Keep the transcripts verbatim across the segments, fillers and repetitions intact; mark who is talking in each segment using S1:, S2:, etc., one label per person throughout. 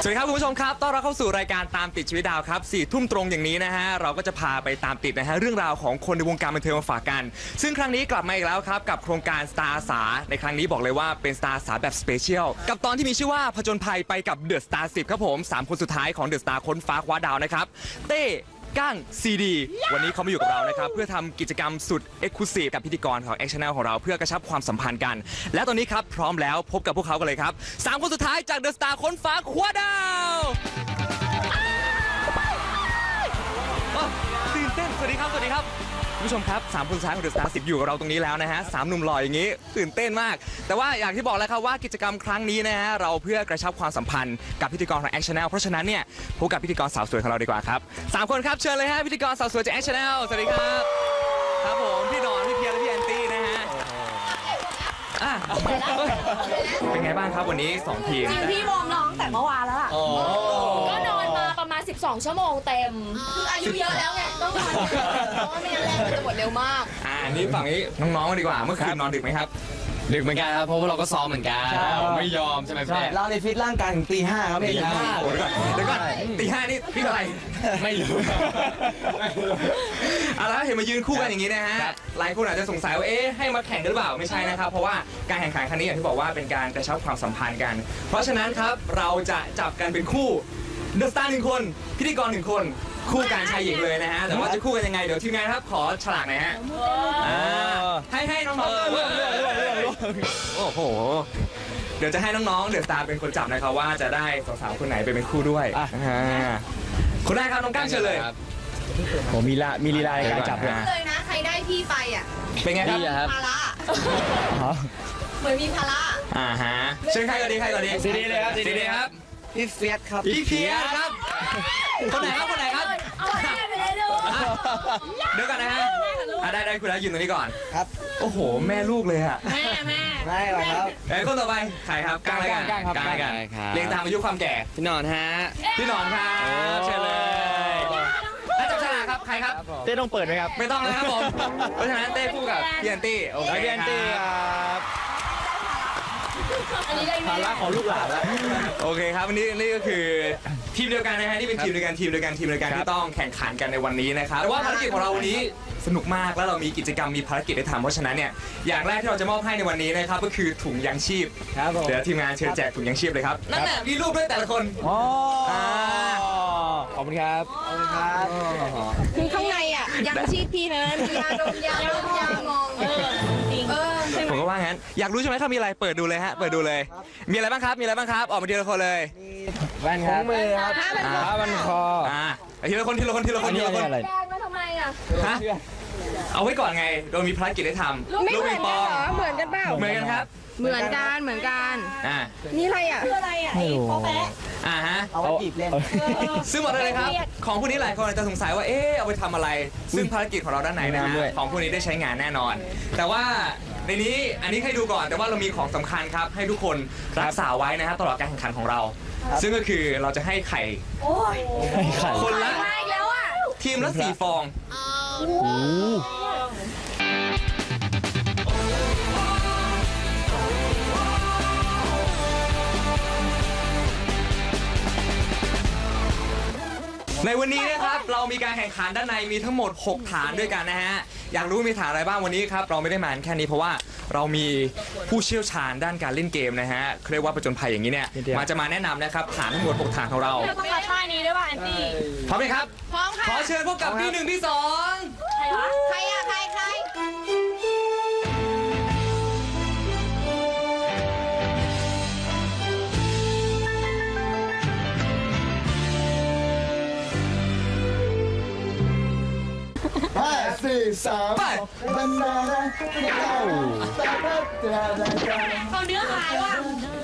S1: สวัสดีครับคุณผู้ชมครับต้อนรับเข้าสู่รายการตามติดชีวิตดาวครับสี่ทุ่มตรงอย่างนี้นะฮะเราก็จะพาไปตามติดนะฮะเรื่องราวของคนในวงการบันเทิงมาฝากกันซึ่งครั้งนี้กลับมาอีกแล้วครับกับโครงการสตาร์อาสาในครั้งนี้บอกเลยว่าเป็นสตาร์อาสาแบบสเปเชียลกับตอนที่มีชื่อว่าผจญภัยไปกับเดอะสตาร์สิบครับผมสามคนสุดท้ายของเดอะสตาร์ค้นฟ้าคว้าดาวนะครับเต้ก้างซีดีวันนี้เขามาอยู่กับเรานะครับเพื่อทำกิจกรรมสุดเอ็กซ์คลูซีฟกับพิธีกรของ X Channel ของเราเพื่อกระชับความสัมพันธ์กันและตอนนี้ครับพร้อมแล้วพบกับพวกเขากันเลยครับสามคนสุดท้ายจากเดอะสตาร์ค้นฟ้าคว้าดาวตื่นเต้นสวัสดีครับสวัสดีครับคุณผู้ชมครับสามคนสุดท้ายของเดอะสตาร์สิบอยู่กับเราตรงนี้แล้วนะฮะสามหนุ่มหล่ออย่างนี้ตื่นเต้นมากแต่ว่าอย่างที่บอกแล้วครับว่ากิจกรรมครั้งนี้นะฮะเราเพื่อกระชับความสัมพันธ์กับพิธีกรของ X Channel เพราะฉะนั้นเนี่ยพบกับพิธีกรสาวสวยของเราดีกว่าครับสามคนครับเชิญเลยฮะพิธีกรสาวสวยจาก X Channel สวัสดีครับครับผมพี่นอนพี่เพียรและพี่แอนตี้นะฮะอ่ะเป็นไงบ้างครับวันนี้สองทีม
S2: จริงพี่วอร์มน้องแต่เมื่อวานแล้วล่ะก็นอนมาประมาณสิบสองชั่วโมงเต็มคืออายุเยอะแล้วไงต้องนอนเยอะเพราะว่าไม่งั้นแรงมันจะหมดเร็วมาก
S1: อ่านี่ฝั่งนี้น้องๆกันดีกว่าเมื่อคืนนอนดึกไหมครับ
S3: ดึกเหมือนกันครับเพราะว่าเราก็ซ้อมเหมือนกันไม่ยอมใช่ไหมพี่
S4: เราในฟิตร่างกายถึงตีห้าครับพี่
S1: ตีห้าโอ้ยเดี๋ยวก่อนตีห้านี่พี่อะไร
S3: ไม่รู้
S1: เอาละเห็นมายืนคู่กันอย่างนี้นะฮะหลายคนอาจจะสงสัยว่าเอ๊ะให้มาแข่งกันหรือเปล่าไม่ใช่นะครับเพราะว่าการแข่งขันครั้งนี้อย่างที่บอกว่าเป็นการกระชับความสัมพันธ์กันเพราะฉะนั้นครับเราจะจับกันเป็นคู่เดอะสตาร์หนึ่งคนพิธีกรหนึ่งคนคู่การชายหญิงเลยนะฮะแต่ว่าจะคู่กันยังไงเดี๋ยวทีมงานครับขอฉลากหน่อยฮะให้ให้น้องๆเลือกเลือกเลือกเลือกโอ้โหเดี๋ยวจะให้น้องๆเดอะสตาร์เป็นคนจับนะครับว่าจะได้สาวๆคนไหนไปเป็นคู่ด้วยคนแรกครับน้องก้างเชิญเลย
S4: ผมมีละมีลีลาในการจับเลย
S2: เลยนะใครได้พี่ไปอ่ะ
S1: เป็นไงครับ
S2: ภาระเหมือนมีภาระ
S1: อ่าฮะเชิญใครก่อนดีใครก่อนดี
S4: ซีดีเลยครับ
S1: ซีดีครับ
S4: พี่เฟียสครับ
S1: พี่เฟียสครับคนไหนครับคนไหนครับ
S2: เอาไปไปเลยดู
S1: เดี๋ยวก่อนนะฮะได้ได้คุณแล้วยืนตรงนี้ก่อน
S4: ครับ
S1: โอ้โหแม่ลูกเลยอะ
S2: แม่แม่
S4: ไม่หรอกครับ
S1: ไอ้คนต่อไปใครครับก้างอะไรกัน
S4: ก้างครับ
S1: ก้างกันเรียงตามอายุความแก่
S3: พี่นอนฮะ
S1: พี่หนอนครับเชิญเลยแล้วจับฉลากครับใครครับ
S4: เต้ต้องเปิดไหมครับ
S1: ไม่ต้องนะครับผมเพราะฉะนั้นเต้คู่กับพี่แอนตี้โอเค
S4: พี่แอนตี้ครับภาระของลูกหลานแล้ว
S1: โอเคครับวันนี้นี่ก็คือทีมเดียวกันนะฮะที่เป็นทีมเดียวกันทีมเดียวกันทีมเดียวกันที่ต้องแข่งขันกันในวันนี้นะครับแต่ว่าภารกิจของเราวันนี้สนุกมากแล้วเรามีกิจกรรมมีภารกิจให้ทำเพราะฉะนั้นเนี่ยอย่างแรกที่เราจะมอบให้ในวันนี้นะครับก็คือถุงยางชีพเดี๋ยวทีมงานเชิญแจกถุงยางชีพเลยครับนั่นแหละมีรูปด้วยแต่ละคน
S4: อ๋อขอบคุณครับขอบคุณครับ
S2: คือข้างในอ่ะยังชีพพี่นะมียาดมยาดมยามองเออเออ
S1: ผมก็ว่างั้นอยากรู้ใช่ไหมครับมีอะไรเปิดดูเลยฮะเปิดดูเลยมีอะไรบ้างครับมีอะไรบ้างครับออกมาทีละคนเลย
S4: มีแว่นครับมือครับผ้าบันคอ
S1: อ่าทีละคนทีละคนทีละคนทีละคน
S2: แดงมาทำไมอ่ะ
S1: ฮะเอาไว้ก่อนไงเรามีภารกิจให้ทำ
S2: ลูกปิงปองเหมือนกันเปล่า
S1: เหมือนกันครับ
S2: เหมือนกันเหมือนกัน
S1: อ่า
S2: นี่อะไรอ่ะคืออะไรอ่ะไอ้โป๊ะแปะ
S1: อ่าฮะ
S4: เอาไว้จีบเล่น
S1: ซึ่งบอกเลยครับของพวกนี้หลายคนอาจจะสงสัยว่าเอ๊ะเอาไปทำอะไรซึ่งภารกิจของเราด้านไหนนะฮะของพวกนี้ได้ใช้งานแน่นอนแต่ว่าในนี้อันนี้ให้ดูก่อนแต่ว่าเรามีของสำคัญครับให้ทุกคนรักษาไว้นะฮะตลอดการแข่งขันของเราซึ่งก็คือเราจะให้ไข่คนละทีมละสี่ฟองในวันนี้นะครับเรามีการแข่งขันด้านในมีทั้งหมดหกฐานด้วยกันนะฮะอยากรู้มีฐานอะไรบ้างวันนี้ครับเราไม่ได้มาแค่นี้เพราะว่าเรามีผู้เชี่ยวชาญด้านการเล่นเกมนะฮะเรียกว่าผจญภัยอย่างนี้เนี่ยมาจะมาแนะนำนะครับฐานทั้งหมดหกฐานของเรา
S2: ต้องมาท่านี้ด้วยป่ะแอนตี้
S1: พร้อมไหมครับ
S2: พร้อมค่ะ
S1: ขอเชิญพบกับพี่หนึ่งพี่สอง
S2: ใครวะใครอะใครใคร
S4: ห้าสี่สาม
S1: ไป
S4: บันดาลเก้า
S2: เขาเนื้อหายว่ะ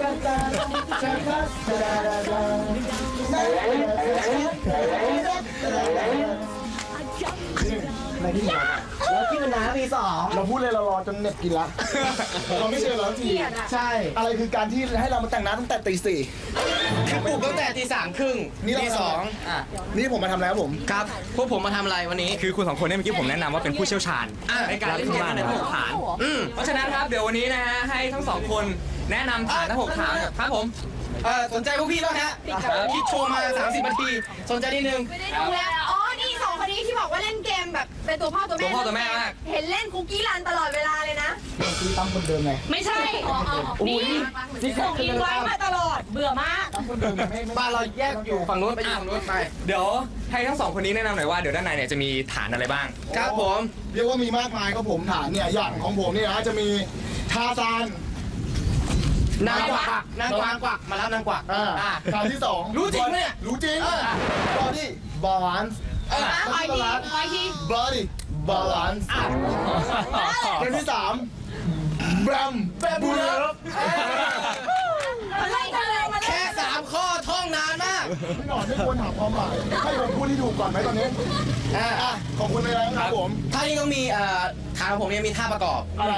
S4: ไม่ที่ไหนแล้วที่มันน้ำมีสองเราพูดเลยเรารอจนเน็ตกินละเราไม่เชื่อแล้วทีใช่อะไรคือการที่ให้เรามาแต่งน้ำตั้งแต่ตีสี่
S3: คือปลุกตั้งแต่ตีสามครึ่งตีสอง
S4: อ่ะนี่ผมมาทำแล้วผม
S3: ครับพวกผมมาทำอะไรวันนี้
S1: คือคุณสองคนเนี่ยเมื่อกี้ผมแนะนำว่าเป็นผู้เชี่ยวชาญในการเล่นเกมในหกฐานเพราะฉะนั้นครับเดี๋ยววันนี้นะฮะให้ทั้งสองคนแนะนำฐานทั้งหกฐานครับผม
S3: เอ่อสนใจพวกพี่แล้วฮะคิดโชว์มาสามสิบนาทีสนใจนิดนึง
S2: ไม่ได้ดูแล้วอ๋อ นี่สองคนนี้ที่บอกว่าเล่นเกมแบบเป็นตัวพ่อตัวแม่
S1: ตัวพ่อตัวแม่มาก
S2: เห็นเล่นคุกกี้รันตลอดเวลาเลยนะ
S4: คือตั้มคนเดิมไง
S2: ไม่ใช่อ๋อนี่ส่งอินไว้มาตลอด เบื่อมาก
S4: ตั้มคนเดิมไม่ไม่
S3: บ้านเราแยกอยู่ฝั่งนู้นไปอยู่ฝั่งนู้นไป
S1: เดี๋ยวให้ทั้งสองคนนี้แนะนำหน่อยว่าเดี๋ยวด้านในเนี่ยจะมีฐานอะไรบ้าง
S3: ครับผม
S4: เรียกว่ามีมากมายครับผมฐานเนี่ยอย่างของผมเนี่ยนะจะมีทาซาน
S3: นางกวักนางกวักกวักมาแล้วนางกวัก
S4: อ่า
S3: อ่า
S4: ฐานที่สอง
S3: รู้จริงไหมเนี่ย
S4: รู้จริง
S3: เออ
S4: บอดี้บาลานซ์
S3: เออ
S2: คอยทีคอยที
S4: บอดี้บาลานซ์เกมที่สามแบมแบมบูเลอร์
S2: มาเล่นกันเลยมาเล่
S3: แค่
S2: น
S3: สามข้อท่องนานมาก
S4: พี่หนอนไม่ควรถามความหมายให้ผมพูดที่ถูกก่อนไหมตอนนี้
S3: อ่า
S4: อ่ะขอบคุณเลยนะครับผม
S3: ท่านี้ก็มีเอ่อฐานของผมเนี่ยมีท่าประกอบ
S4: อะไร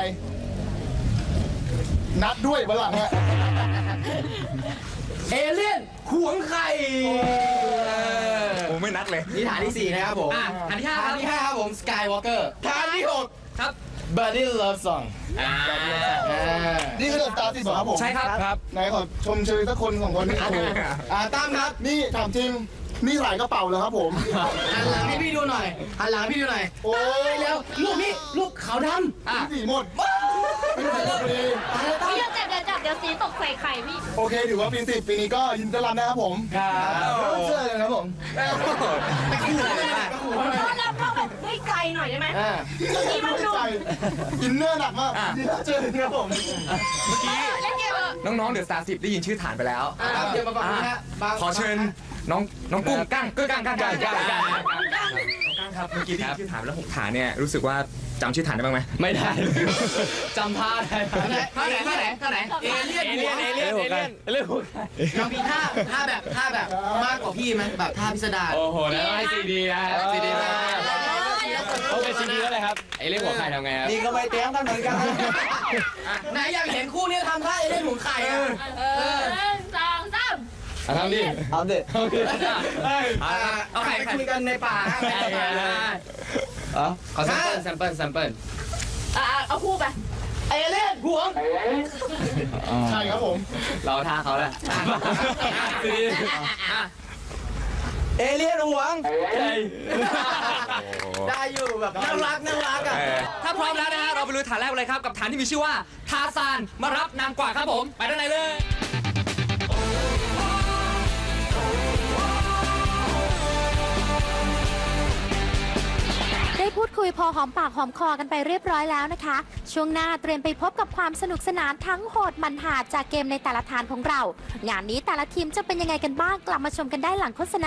S4: นัดด้วยวันหลังฮะ
S3: เอเลี่ยนขวงไข่
S1: โอ้ไม่นัดเลย
S3: นี่ฐานที่สี่นะครับผม
S1: อ่ะฐานที่ห้าครับ
S3: ฐานที่ห้าครับผมสกายวอล์กเกอร์ฐานที่หก
S1: ครับ
S3: Buddy Love Song
S1: อ่า
S3: อ่า
S4: นี่คือเดอะสตาร์ที่สองครับผม
S1: ใช่ครับครับ
S4: ไหนขอชมเชยสักคนสองคนนี่โอ้โห
S3: อ่าตั้มครับ
S4: นี่ถามจริง นี่หลายกระเป๋าเลยครับผม
S3: หันหลังให้พี่ดูหน่อยหันหลังให้พี่ดูหน่อย
S4: โอ้ย
S3: แล้วลูกนี่ลูกขาวดำอ่ะ
S4: สีหมดไม่หมดพอดี
S2: พี่จะจับเดี๋ยวจับเดี๋ยวสีตกใส่ไข่พี่
S4: โอเคถือว่าปีสิบปีนี้ก็ยินดีต้อนรับนะครับผม
S3: ครับ
S4: เชื่อเลยครับผม
S3: ไปคู่เลยนะ
S2: ต้อนรับเราแบบให้ไกลหน่อยได้ไหม
S3: อ่า
S2: นี่มันดู
S4: ใจอินเนอร์หนักมากยินดีเจอเลยครับผม
S1: เมื่อกี้
S2: เล่นเกมเออ
S1: น้องๆเดอะสตาร์สิบได้ยินชื่อฐานไปแล้ว
S3: ครับเดี๋ยวมาก่อนนะฮะบาง
S1: ขอเชิญน้องน้องกุ้งกั้งกุ้งกั้งกั้งกั้งกั้งกั้ง
S2: ดัง
S1: กั้งครับเมื่อกี้ได้ยินชื่อฐานไปแล้วหกฐานเนี่ยรู้สึกว่าจำชื่อฐานได้บ้างไหม
S3: ไม่ได้จำท่าได้ท่าไหนท่าไหนท่าไหนท่าไหนเอเลี่ยน
S1: เอเลี่ยนเอเลี่ยนเอเลี่ยน
S3: เรื่องเรามีท่าท่าแบบท่าแบบมากกว่าพี่ไหมแบบท่าพิสดาร
S5: โอ้โหแล้วให้ซีดีนะ
S3: ซีดีมา
S5: ต้องเป็นซีดีแล้วเลยครับไอ้เรื่องหัวไข่ทำไงครับ
S3: นี่ก็ไปเตรียมกันเหมือนกันไหนอยากเห็นคู่นี้ทำท่าเอเลี่ยนหมุนไข่อะ
S2: เออหนึ่งสองสาม
S5: อ่ะทำดิ
S3: เอาดิ
S5: เอาดิ
S3: เอาไข่ไปคุยกันในป่าฮะในป่า
S5: อ๋อขอแซมเปิลแซมเปิลแซมเปิล
S2: อ่ะเอาคู่ไป
S3: เอเลี่ยนห่วง
S4: ใช่ครับผม
S5: เราท่าเขาแหละซีดี
S3: เอเลี่ยนห่วง
S5: ใช่
S3: ได้อยู่แบบน่ารักน่ารักอ่ะ
S1: ถ้าพร้อมแล้วนะฮะเราไปลุยฐานแรกเลยครับกับฐานที่มีชื่อว่าทาซานมารับนางกวักครับผมไปด้านในเลย
S6: ได้พูดคุยพอหอมปากหอมคอกันไปเรียบร้อยแล้วนะคะ ช่วงหน้าเตรียมไปพบกับความสนุกสนานทั้งโหดมันหาจากเกมในแต่ละฐานของเรา งานนี้แต่ละทีมจะเป็นยังไงกันบ้างกลับมาชมกันได้หลังโฆษณา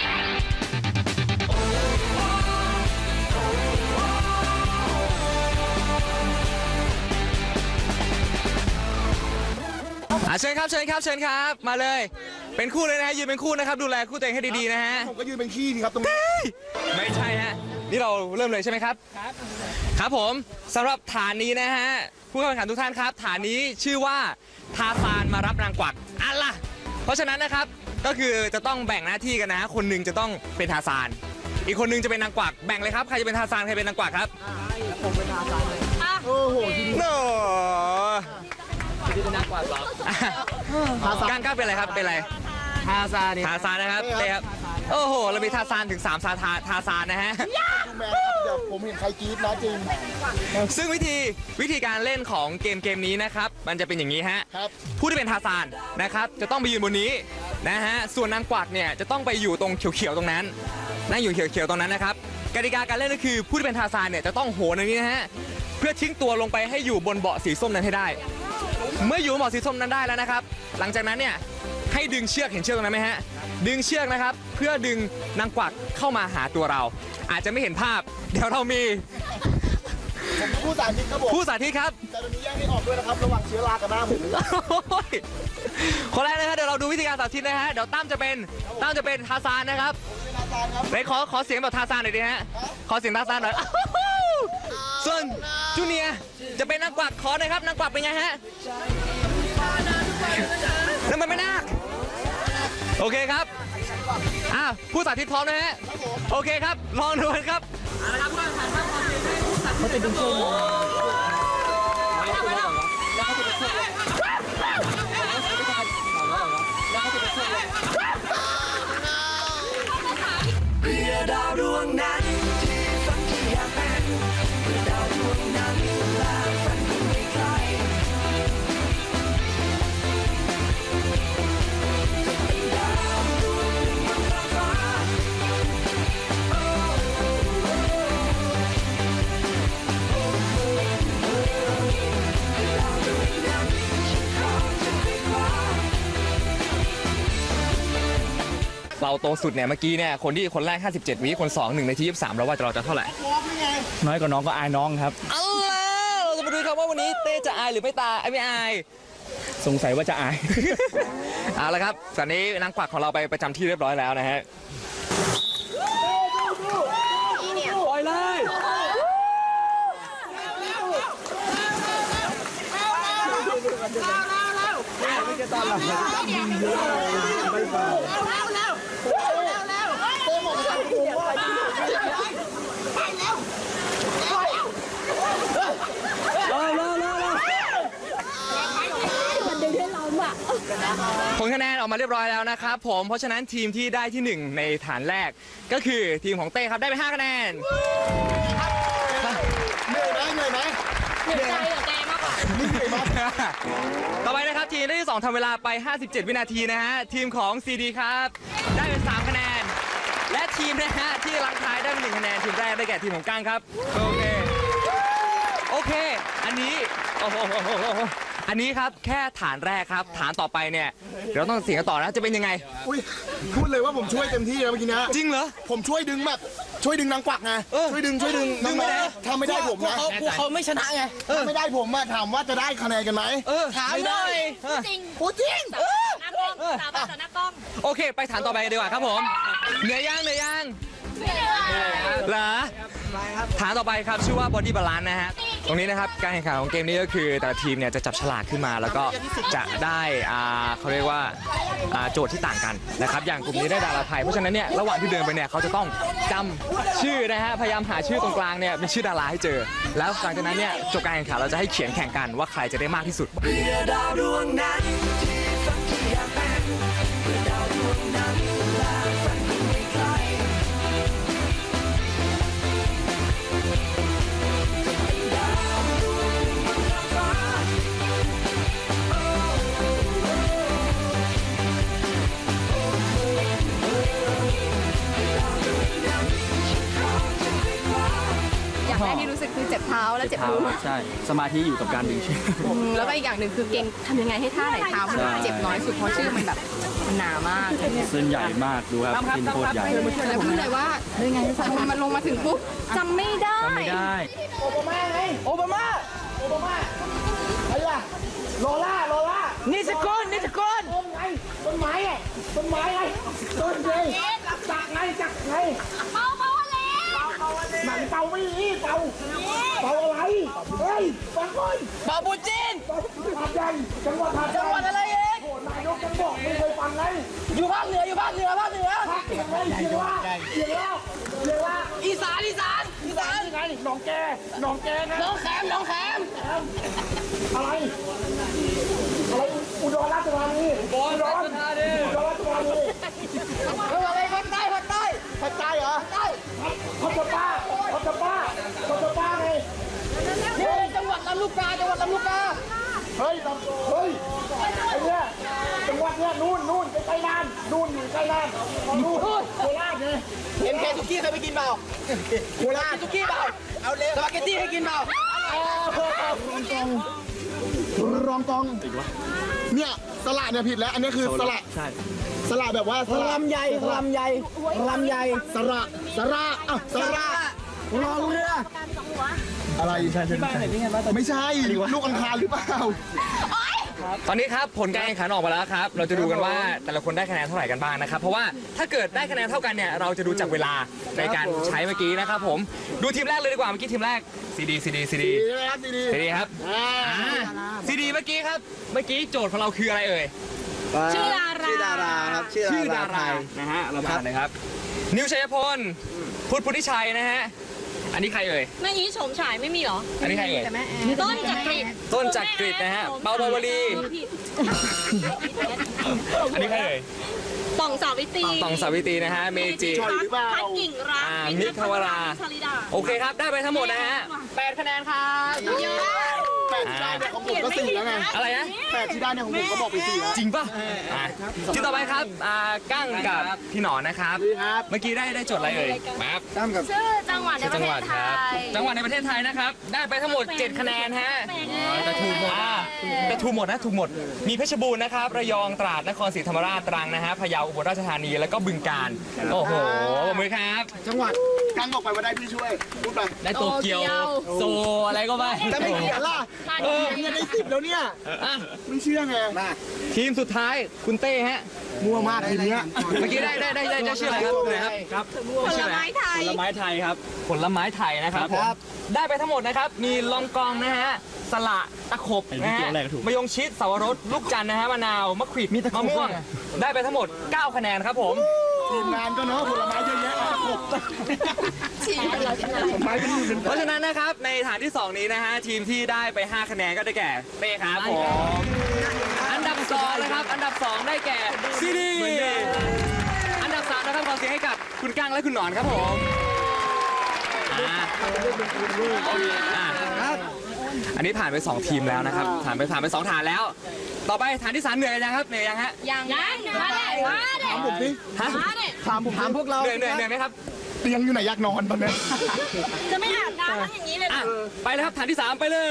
S1: อ่ะเชิญครับเชิญครับเชิญครับมาเลย เป็นคู่เลยนะฮะยืนเป็นคู่นะครับดูแลคู่ตัวเองให้ดีๆนะฮะ
S4: ผมก็ยืนเป็นขี้ดีครับตรงนี้
S1: ไม่ใช่ฮะนี่เราเริ่มเลยใช่ไหมครับครับครับผมสำหรับฐานนี้นะฮะผู้เข้าแข่งขันทุกท่านครับ ฐานนี้ชื่อว่าทาซานมารับนางกวักอันล่ะเพราะฉะนั้นนะครับก็คือจะต้องแบ่งหน้าที่กันนะฮะคนหนึ่งจะต้องเป็นทาซานอีกคนหนึงจะเป็นนางกวักแบ่งเลยครับใครจะเป็นทาซานใครเป็นนางกวักครับ
S4: โอ้โหจริง
S1: โน่
S5: ซีดีเป็นนักกว่าสอง
S1: ก้างก้างเป็นอะไรครับเป็นอะไร
S3: ทาซานี่
S1: ทาซานนะครับเต้ครับโอ้โหเรามีทาซานถึงสามซาทาทาซานนะฮะ
S4: ดูแมนครับเดี๋ยวผมเห็นใครกรี๊ดนะจริง
S1: ซึ่งวิธีวิธีการเล่นของเกมเกมนี้นะครับมันจะเป็นอย่างนี้ฮะ
S4: ครับ
S1: ผู้ที่เป็นทาซานนะครับจะต้องไปยืนบนนี้นะฮะส่วนนางกวักเนี่ยจะต้องไปอยู่ตรงเขียวๆตรงนั้นนั่งอยู่เขียวๆตรงนั้นนะครับกติกาการเล่นก็คือผู้ที่เป็นทาซานเนี่ยจะต้องโหนอย่างนี้นะฮะเพื่อทิ้งตัวลงไปให้อยู่บนเบาะสีส้มนั้นให้ได้ เมื่ออยู่บนเบาะสีส้มนั้นได้แล้วนะครับหลังจากนั้นเนี่ยให้ดึงเชือกเห็นเชือกตรงนั้นไหมฮะดึงเชือกนะครับเพื่อดึงนางกวักเข้ามาหาตัวเรา อาจจะไม่เห็นภาพ เดี๋ยวเรามี
S4: ผมผู้สาธิตครับผม
S1: ผู้สาธิตครับ
S4: แต่ตอนนี้แยกไม่ออกด้วยนะครับระหว่างเชื้อรากับหน้าหมู
S1: โอ้ยคนแรกนะครับเดี๋ยวเราดูวิธีการสาธิตนะฮะเดี๋ยวตั้มจะเป็นตั้มจะเป็นทาซานนะครับ
S4: เป็นอาจารย์ครับ
S1: ไหนขอขอเสียงแบบทาซานหน่อยดิฮะขอเสียงทาซานหน่อยอ้าวส่วนจูเนียร์จะเป็นนางกวักขอหน่อยครับนางกวักเป็นไงฮะนั่นมันไม่นาคโอเคครับอ้าวผู้สาธิตพร้อมนะฮะโอเคครับลองดูกันครับเขาจะดึงเชือก
S3: แล้วเขาจะไปช่วย
S1: เราโตสุดเนี่ยเมื่อกี้เนี่ยคนที่คนแรกห้าสิบเจ็ดวิคนสองหนึ่งในที่ยี่สิบสามแล้วว่าเราจะเท่าไหร่
S5: น้อยกว่าน้องก็อายน้องครับ
S1: เอาล่ะเราจะมาดูครับว่าวันนี้เต้จะอายหรือไม่ตายไม่อาย
S5: สงสัยว่าจะอาย
S1: เอาละครับตอนนี้นางกวักของเราไปประจำที่เรียบร้อยแล้วนะฮะปล่อยเลยผลคะแนนออกมาเรียบร้อยแล้วนะครับผมเพราะฉะนั้นทีมที่ได้ที่หนึ่งในฐานแรกก็คือทีมของเต้ครับได้ไปห้าคะแนน
S4: เหนื่อยไหมเหนื่อยไหม
S2: เหนื่อยใจกับเต้มากกว่า
S1: ต่อไปนะครับทีมได้ที่สองทำเวลาไปห้าสิบเจ็ดวินาทีนะฮะทีมของซีดีครับได้เป็นสามคะแนนและทีมนะฮะที่ลังท้ายได้เป็นหนึ่งคะแนนทีมแรกได้แก่ทีมของก้างครับโอเคโอเคอันนี้โอ้โหอันนี้ครับแค่ฐานแรกครับฐานต่อไปเนี่ยเดี๋ยวเราต้องเสียงกันต่อนะจะเป็นยังไง
S4: อุ้ยพูดเลยว่าผมช่วยเต็มที่แล้วเมื่อกี้นะ
S1: จริงเหรอ
S4: ผมช่วยดึงแบบช่วยดึงนางกวักไง
S1: เออ
S4: ช่วยดึงช่วยดึง
S1: ดึงไม่ได้
S4: ถ้าไม่ได้ผมนะ
S3: เขากลัวเขาไม่ชนะไง
S4: ถ้าไม่ได้ผมอะถามว่าจะได้คะแนนกันไหม
S1: เออ
S3: ถามหน่อย
S2: จริง
S4: พูดจริง
S2: หน้ากล้องสาวต่อหน้ากล้อง
S1: โอเค ไปฐานต่อไปกันดีกว่าครับผมเหนื่อยยังเหนื่อยยังเหรอฐานต่อไปครับชื่อว่า Body Balance นะฮะตรงนี้นะครับการแข่งขันของเกมนี้ก็คือแต่ละทีมเนี่ยจะจับฉลากขึ้นมาแล้วก็จะได้อ่าเขาเรียกว่าอ่าโจทย์ที่ต่างกันนะครับอย่างกลุ่มนี้ได้ดาราไทยเพราะฉะนั้นเนี่ยระหว่างที่เดินไปเนี่ยเขาจะต้องจำชื่อนะฮะพยายามหาชื่อตรงกลางเนี่ยเป็นชื่อดาราให้เจอ แล้วหลังจากนั้นเนี่ยจบการแข่งขันเราจะให้เขียนแข่งกันว่าใครจะได้มากที่สุด
S7: อย่างแรกที่รู้สึกคือเจ็บเท้าและเจ็บมือ
S5: ใช่ สมาธิอยู่กับการดึงเชือก
S7: แล้วก็อีกอย่างหนึ่งคือเก่งทำยังไงให้ท่าไหนเท้ามันเจ็บน้อยสุดเพราะชื่อมันแบบมันหนามาก
S5: เส้นใหญ่มากดูครับกินโคตรใหญ่
S7: แล้วพูดเลยว่ามันลงมาถึงปุ๊บจำไม่ได้
S5: ทำไม่ได้
S4: โอบามาไงโอบามาโอบามาใครล่ะโลล่าโลล่า
S3: นิสกุลนิสกุล
S4: ต้นไงต้นไม้ไงต้นไม้ไงต้นไงจักไงจักไง
S2: เมาเมาอะไร
S4: หนังเป่าไม่ดีเป่าเป่าอะไรเฮ้ยฟังก่อน
S3: บาบูจิน
S4: หาดใหญ่จังหวัดหาดใหญ่
S3: จังหวัดอะไรเอง
S4: โอ้นายกจังบอกไม่เคยฟังไง
S3: อยู่ภาคเหนืออยู่ภาคเหนือภาคเหนือ
S4: ภาคเสียงไงเสียงว่าเสียงว่าเสียงว่า
S3: อีสานอีสานอีสาน
S4: ไงหนองแกหนองแกไง
S3: น้องแขมน้องแขม
S4: อะไรอะไรอุดรราชธานีอุดรราชธานีอุดรราชธานี
S3: อะไรภาคใต้ภาคใต้
S4: ภาคใต้เหรอใต้พัชป้าพัชป้าพัชป้าไง
S3: นี่จังหวัดลำลูกกาจังหวัดลำลูกกา
S4: เฮ้ยลำเฮ้ยไอ้เนี่ยจังหวัดเนี่ยนู่นนู่นใกล้ๆน่านนู่นอยู่ใกล้น่านนู่นโคราชไง
S3: เอ็มเคทุกี้เคยไปกินเปล่า
S4: โคราช
S3: ทุกี้เปล่าเอาเลยสปาเกตตี้ให้กินเปล่าร
S4: องกองเนี่ยสละเนี่ยผิดแล้ว อันนี้คือสละ
S5: ใช่
S4: สละแบบว่าสละ
S3: ลำใหญ่ลำใหญ่ลำใหญ่
S4: สระสระอ่ะสระ
S3: รอเรือ
S4: อะไรใช่ใช่ไม่ใช่ลูกอังคารหรือเปล่า
S1: ตอนนี้ครับผลการแข่งขันออกมาแล้วครับเราจะดูกันว่าแต่ละคนได้คะแนนเท่าไหร่กันบ้างนะครับเพราะว่าถ้าเกิดได้คะแนนเท่ากันเนี่ยเราจะดูจากเวลาในการใช้เมื่อกี้นะครับผมดูทีมแรกเลยดีกว่าเมื่อกี้ทีมแรกซีดีซีดีซีดี
S4: ดีนะครับดีดี
S1: ซีดีครับซีดีเมื่อกี้ครับเมื่อกี้โจทย์ของเราคืออะไรเอ่ย
S2: ชื่อดารา
S3: ชื่อดาราครับ
S1: ชื่อดารานะฮะเรามาอ่านเลยครับนิวชัยพลพุทธพุทธิชัยนะฮะอันนี้ใครเอ่ย
S2: แม่อีชมฉายไม่มีเหรอ
S1: อันนี้ใครเอ่ย
S2: ต้นจักริด
S1: ต้นจักริดนะฮะเปาปาวลี อันนี้ใครเอ่ย
S2: ต่องสาวิตรี
S1: ต่องสาวิตรีนะฮะเมจิ
S2: พัดพัดกิ่งรัก
S1: อ่ามิตรวรา
S2: ชลิดา
S1: โอเคครับได้ไปทั้งหมดนะฮะแปดคะแนนครับ
S4: แปดที่ได้เนี่ยของผมก็สี่แล้วไง
S1: อะไรนะ
S4: แปดที่ได้เนี่ยของผมก็บอกไปสี่แล้ว
S1: จริงป่ะอ่ะที่ต่อไปครับอ่ากั้งกับพี่หนอนนะครับ
S4: ครับ
S1: เมื่อกี้ได้ได้จดอะไรเอ่ยครับ
S4: ตั้มกับ
S2: ชื่อจังหวัดในประเทศไทย
S1: จังหวัดในประเทศไทยนะครับ ได้ไปทั้งหมด เจ็ด คะแนนฮะแต่ถูกหมดอ่าแต่ถูกหมดนะถูกหมด มีเพชรบูรณ์นะครับ ระยอง ตราด นครศรีธรรมราช ตรังนะฮะ พะเยา อุบลราชธานี แล้วก็บึงกาฬ โอ้โหปรบมือครับ
S4: จังหวัดกั้งบอกไปว่าได้พี่ช่วยพูดไป
S1: ได้โตเกียว โซอะไรก็ไป
S4: แต่ไม่เขียนล่ะ
S1: เออ
S4: เนี่ยได้สิบแล้วเนี่ย
S1: อ่ะ
S4: ไม่เชื่อไง
S1: ทีมสุดท้ายคุณเต้ฮะ
S4: มั่วมากทีเนี้ย
S1: เมื่อกี้ได้ได้ได้ได้ได้ชื่ออะไรครับครับครับ
S2: ผลไม้ไทย
S5: ผลไม้ไทยครับ
S1: ผลไม้ไทยนะครับผมได้ไปทั้งหมดนะครับ มีลองกองนะฮะ สละตะขบนะฮะมะยงชิดสวรสลูกจันทร์นะฮะ มะนาว มะขวิดมะม่วง ได้ไปทั้งหมด เก้า คะแนนครับผม
S4: ทีมงานก็เนาะผลไม้เยอะแยะตะขบผลไม้เป็นอยู่เป็น
S1: เพราะฉะนั้นนะครับ ในฐานที่ สอง นี้นะฮะ ทีมที่ได้ไป ห้า คะแนนก็ได้แก่เป้ครับผม อันดับสองนะครับ อันดับสองได้แก่ซีดีอันดับสามนะครับขอเสียงให้กับคุณกั้งและคุณหนอนครับผมอ่าอ่าอันนี้ผ่านไป สอง ทีมแล้วนะครับ ผ่านไปผ่านไป สอง ฐานแล้ว ต่อไปฐานที่สามเหนื่อยยังครับเหนื่อยยังฮะ
S2: ยังยังมาเด็มาเด็
S4: ถามผมสิ
S1: ฮะ
S2: มาเด็
S4: ถามผมถามพวกเรา
S1: เหนื่อยเหนื่อยเหนื่อยไหมครับ
S4: เตียงอยู่ไหนอยากนอนตอนเนี้ย
S2: จะไม่อาบน้ำแล้วอย่างนี้เลย
S1: อ่ะไปเลยครับฐานที่สามไปเลย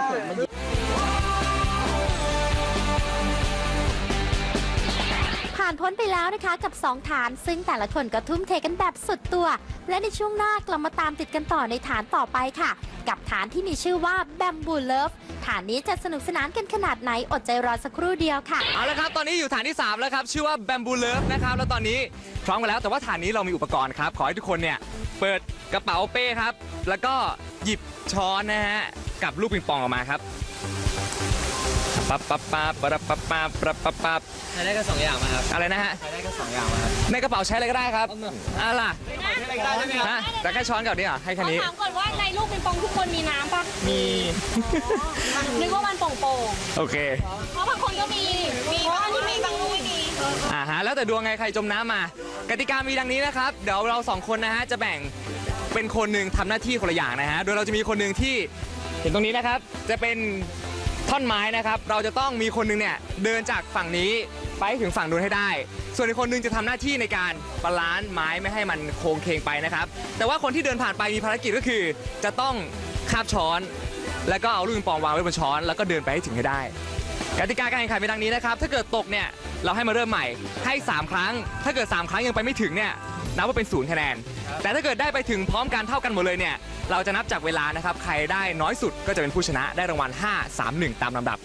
S6: ผ่านพ้นไปแล้วนะคะกับสองฐาน ซึ่งแต่ละคนก็ทุ่มเทกันแบบสุดตัว และในช่วงหน้ากลับมาตามติดกันต่อในฐานต่อไปค่ะ กับฐานที่มีชื่อว่า Bamboo Love ฐานนี้จะสนุกสนานกันขนาดไหนอดใจรอสักครู่เดียวค่ะ
S1: เอาละครับ ตอนนี้อยู่ฐานที่ สาม แล้วครับ ชื่อว่า Bamboo Love นะครับ แล้วตอนนี้พร้อมกันแล้ว แต่ว่าฐานนี้เรามีอุปกรณ์ครับ ขอให้ทุกคนเนี่ย เปิดกระเป๋าเป้ครับ แล้วก็หยิบช้อนนะฮะ กับลูกปิงปองออกมาครับ ปั๊บปั๊บปั๊บปั๊บปั๊บปั๊บปั๊บปั๊บปั๊บ
S5: ใช้ได้แค่สองอย่างมาครับ
S1: อะไรนะฮะ
S5: ใช้ได้แค่สองอย่างมาครับ
S1: ในกระเป๋าใช้อะไรก็ได้ครับอ่ะล่ะ
S5: ใช้อะไรก็ได้ใช่ไหมครับ
S1: ฮะแต่แค่ช้อนกับนี่เหรอให้แค่นี้
S2: ถามก่อนว่าในลูกปิงปองทุกคนมีน้ำปะ
S1: มี
S2: นึกว่ามันโป่ง
S1: โอเค
S2: ๆเพราะบางคนก็มี มีบางที่มีบางลูกไม่มี
S1: อ่าฮะ แล้วแต่ดวงไง ใครจมน้ำมา กติกามีดังนี้นะครับ เดี๋ยวเราสองคนนะฮะ จะแบ่งเป็นคนหนึ่งทำหน้าที่คนละอย่างนะฮะ โดยเราจะมีคนหนึ่งที่เห็นตรงนี้นะครับ จะเป็นท่อนไม้นะครับ เราจะต้องมีคนหนึงเนี่ยเดินจากฝั่งนี้ไปถึงฝั่งนู้นให้ได้ ส่วนอีกคนหนึงจะทำหน้าที่ในการบาลานซ์ไม้ไม่ให้มันโค้งเคงไปนะครับ แต่ว่าคนที่เดินผ่านไปมีภารกิจก็คือ จะต้องคาบช้อน แล้วก็เอาลูกปิงปองวางไว้บนช้อน แล้วก็เดินไปให้ถึงให้ได้ กติกาการแข่งขันเป็นดังนี้นะครับ ถ้าเกิดตกเนี่ยเราให้มาเริ่มใหม่ให้ สาม ครั้ง ถ้าเกิด สาม ครั้งยังไปไม่ถึงเนี่ยนับว่าเป็นศูนย์คะแนน แต่ถ้าเกิดได้ไปถึงพร้อมกันเท่ากันหมดเลยเนี่ยเราจะนับจากเวลานะครับ ใครได้น้อยสุดก็จะเป็นผู้ชนะได้รางวัล ห้า สาม หนึ่ง ตามลำดับ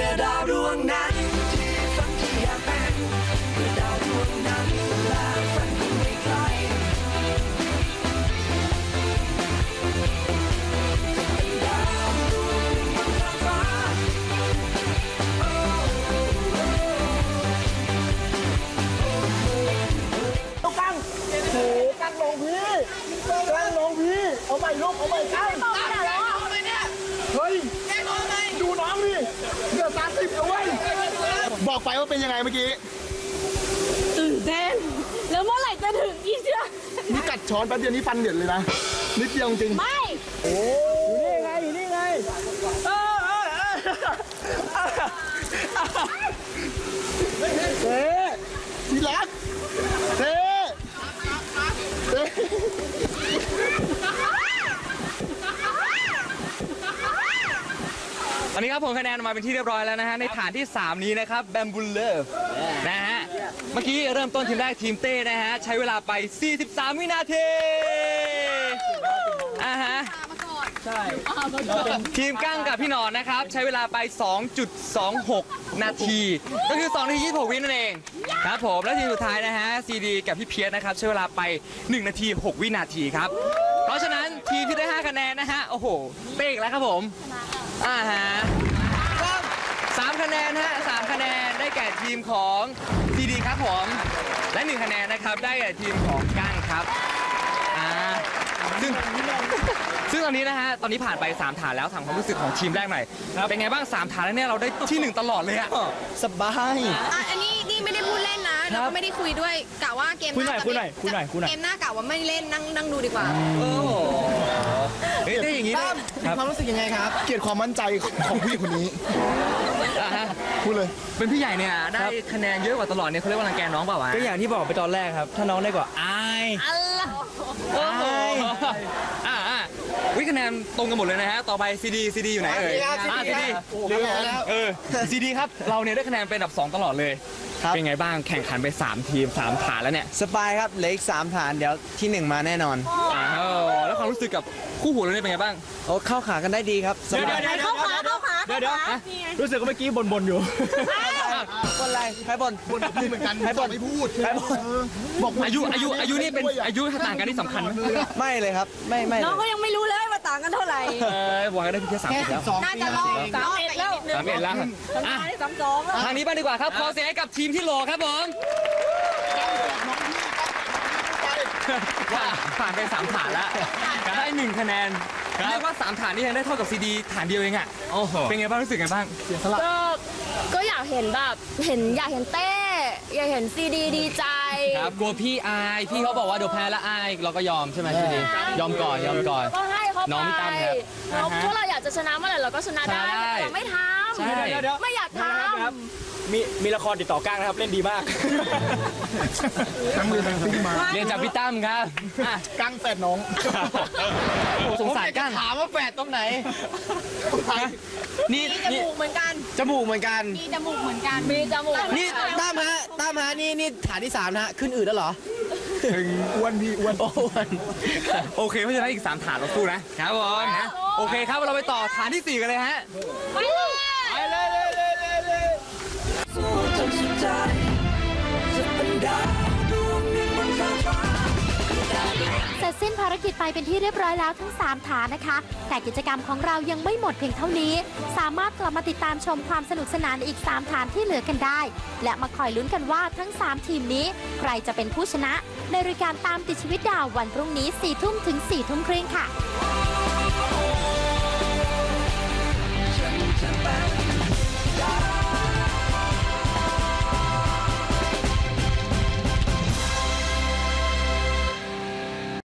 S4: กั้งโหกั้งลงพี่กั้งลงพี่ เอาใหม่ลูกเอาใหม่กั้งเฮ้ยดูน้องดิเหลือสามสิบแล้วเว้ยบอกไปว่าเป็นยังไงเมื่อกี้
S2: ตื่นเต้น แล้วเมื่อไหร่จะถึงอีเชื่อ
S4: นี่กัดช้อนแป๊บเดียวนี่ฟันเหยินเลยนะ นิดเดียวจริง
S2: ไม่
S4: โอ้อยู่นี่ไงอยู่นี่ไงเออเออเออเต้ที่รักเต้เต้
S1: ตอนนี้ครับผมคะแนนออกมาเป็นที่เรียบร้อยแล้วนะฮะในฐานที่ สาม นี้นะครับ Bamboo Love นะฮะเมื่อกี้เริ่มต้นทีมแรกทีมเต้นะฮะใช้เวลาไป สี่สิบสาม วินาทีอ่าฮะทีมกั้งกับพี่หนอนนะครับใช้เวลาไป สองจุดสองหก นาที ก็คือ สองนาทียี่สิบหก วินั่นเองครับผมและทีมสุดท้ายนะฮะซีดีกับพี่เพียรนะครับใช้เวลาไป หนึ่ง นาที หก วินาทีครับเพราะฉะนั้นทีมที่ได้ ห้า คะแนนนะฮะโอ้โหเป๊กแล้วครับผมอ่าฮะสามคะแนนฮะสามคะแนนได้แก่ทีมของซีดีครับผมและหนึ่งคะแนนนะครับได้แก่ทีมของกั้งครับอ่าซึ่งซึ่งตอนนี้นะฮะตอนนี้ผ่านไปสามฐานแล้วถามความรู้สึกของทีมแรกหน่อยเป็นไงบ้างสามฐานแล้วเนี่ยเราได้ที่หนึ่งตลอดเลยอะ
S4: สบาย
S7: อ่ะอันนี้นี่ไม่ได้พูดเล่นนะแล้วก็ไม่ได้คุยด้วยกะว่าเกมห
S4: คุยหน่
S7: น้า
S4: อย
S7: จะ
S4: คุยหน่อยคุยหน่อยคุยหน่อย
S7: เกมหน้ากะว่าไม่เล่นนั่งนั่งดูดีกว่า
S1: เฮ้ยได้อย่างนี้
S3: ตั้
S1: ได้
S3: มมีความรู้สึกยังไงครับ
S4: เกลียดความมั่นใจของผู้หญิงคนนี้
S1: อ่ะฮะ
S4: พูดเลย
S1: เป็นพี่ใหญ่เนี่ยได้คะแนนเยอะกว่าตลอดเนี่ยเขาเรียกว่ารังแกน้องเปล่าวะ
S5: ก็อย่างที่บอกไปตอนแรกครับ ถ้าน้องได้กว่าอาย
S1: โอ้โหอ่าอ่าวิคะแนนตรงกันหมดเลยนะฮะต่อไปซีดีซีดีอยู่ไหนเอ่ย
S3: ครับ
S1: อ่า
S3: ซี
S1: ซี
S3: ดี
S1: ดี
S3: ครับ
S1: เร็วเออซีดีครับเราเนี่ยได้คะแนนเป็นอันดับสองตลอดเลยเป็นไงบ้างแข่งขันไปสามทีมสามฐานแล้วเนี่ย
S5: สบายครับเหลืออีกสามฐานเดี๋ยวที่หนึ่งมาแน่นอน
S1: อ้าวแล้วความรู้สึกกับคู่หูเราเนี่ยเป็นไงบ้าง
S5: โอ้เข้าขากันได้ดีครับสบาย
S2: เข้าขาเข้าขา
S4: เดี๋ยวเดี๋ยวรู้สึกว่าเมื่อกี้บ่นๆอยู่
S5: คนอะไรใครบ่น
S4: บ่นกับพี่เหมือนกันให้บ่นไม่พูด
S5: ใครบ่น
S4: บอก
S1: อายุอายุอายุนี่เป็นอายุต่างกันที่สำคัญไหม
S5: ไม่เลยครับ ไม่ไม่เล
S2: น้อง
S5: ย
S2: ก็ยังไม่รู้เลยว่าต่างกันเท่าไหร่
S1: เออบอกกันได้เพียงแค่สามสิบแล้ว
S7: น่าจะรอด
S2: สามเอ็ดแล้ว
S1: สามเอ็ดแล้วอ่ะ
S2: ได้สามสองแล้ว
S1: ทางนี้บ้างดีกว่าครับขอเสียงให้กับทีมที่โหลครับผมผ่านไปสามฐานแล้วได้หนึ่งคะแนนเรียกว่าสามฐานนี่ยังได้เท่ากับซีดีฐานเดียวเองอ่ะเป็นไงบ้างรู้สึกไงบ้าง
S2: ก็ก็อยากเห็นแบบเห็นอยากเห็นเต้อยากเห็นซีดีดีใจ
S5: ครับกลัวพี่อายพี่เขาบอกว่าเดี๋ยวแพ้แล้วอายเราก็ยอมใช่ไหมพี่ดียอมก่อนยอมก่อน
S2: ก็ให้เขา
S5: น้องพี่
S2: ไป
S5: ตั้มครับ
S2: เราพวกเราอยากจะชนะเมื่อไหร่เราก็ชนะได้
S5: ใช่
S2: แต่เราไม่ท
S5: ใช่
S2: ำไม่อยากท
S4: มีมีละครติดต่อก้างนะครับ เล่นดีมากทั้งมือทั้งปิ้งมา
S5: เรียนจากพี่ตั้มครับอ่ะ
S4: ก้างแฝดน้อง
S5: โอ้สงสารกั้ง
S3: ถามว่าแฝดตรงไหน
S5: นี่
S7: มีจ
S5: นี่
S7: มูกเหมือนกัน
S5: จมูกเหมือนกัน
S7: มีจมูกเหมือนกัน
S2: ำมีจมูก
S3: นี่ตั้มฮะตั้มฮะนี่นี่ฐานที่สามนะฮะขึ้นอืดแล้วเหรอ
S4: ถึงอ้วนพี่อ้วน
S3: โอ้วน
S1: โอเคเพราะฉะนั้นอีกสามฐานเราสู้นะครับผมนะโอเคครับเราไปต่อฐานที่สี่กันเลยฮะ
S2: ไปเลย
S1: ไปเลยเลยเลยเลยเลย
S6: เสร็จสิ้นภารกิจไปเป็นที่เรียบร้อยแล้วทั้งสามฐานนะคะ แต่กิจกรรมของเรายังไม่หมดเพียงเท่านี้ สามารถกลับมาติดตามชมความสนุกสนานในอีกสามฐานที่เหลือกันได้ และมาคอยลุ้นกันว่าทั้งสามทีมนี้ใครจะเป็นผู้ชนะ ในรายการตามติดชีวิตดาววันพรุ่งนี้สี่ทุ่มถึงสี่ทุ่มครึ่งค่ะ